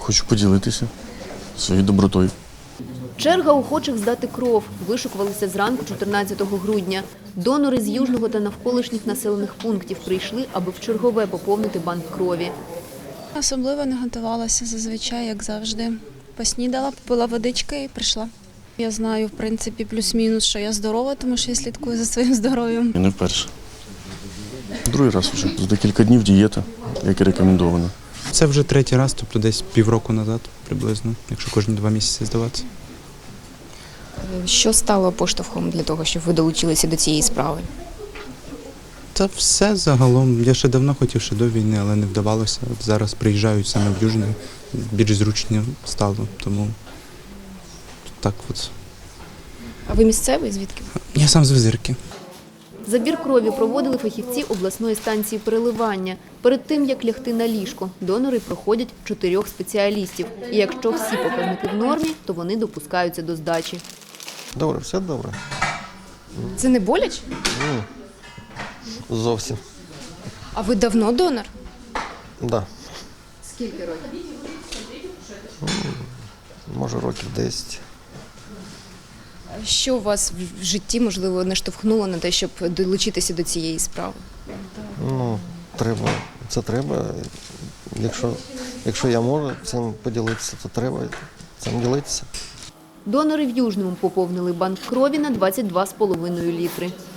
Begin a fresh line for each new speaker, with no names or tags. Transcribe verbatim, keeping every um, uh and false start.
Хочу поділитися своєю добротою.
Черга охочих здати кров вишукувалася зранку чотирнадцятого грудня. Донори з Южного та навколишніх населених пунктів прийшли, аби вчергове поповнити банк крові.
Особливо не готувалася зазвичай, як завжди. Поснідала, попила водички і прийшла. Я знаю, в принципі, плюс-мінус, що я здорова, тому що я слідкую за своїм здоров'ям.
І не вперше. Другий раз вже. За декілька днів дієта, як і рекомендовано.
Це вже третій раз, тобто десь півроку назад приблизно, якщо кожні два місяці здаватися.
Що стало поштовхом для того, щоб ви долучилися до цієї справи?
Та все загалом. Я ще давно хотів, ще до війни, але не вдавалося. От зараз приїжджають саме в Южне, більш зручно стало, тому так от.
А ви місцевий? Звідки?
Я сам з Визирки.
Забір крові проводили фахівці обласної станції переливання. Перед тим, як лягти на ліжко, донори проходять чотирьох спеціалістів. І якщо всі показники в нормі, то вони допускаються до здачі.
Добре, все добре.
Це не боляче?
Ні. Зовсім.
А ви давно донор?
Так. Да.
Скільки років?
Може, років десять.
Що у вас в житті, можливо, наштовхнуло на те, щоб долучитися до цієї справи?
Ну, треба. Це треба. Якщо, якщо я можу цим поділитися, то треба цим ділитися.
Донори в Южному поповнили банк крові на двадцять два з половиною літри.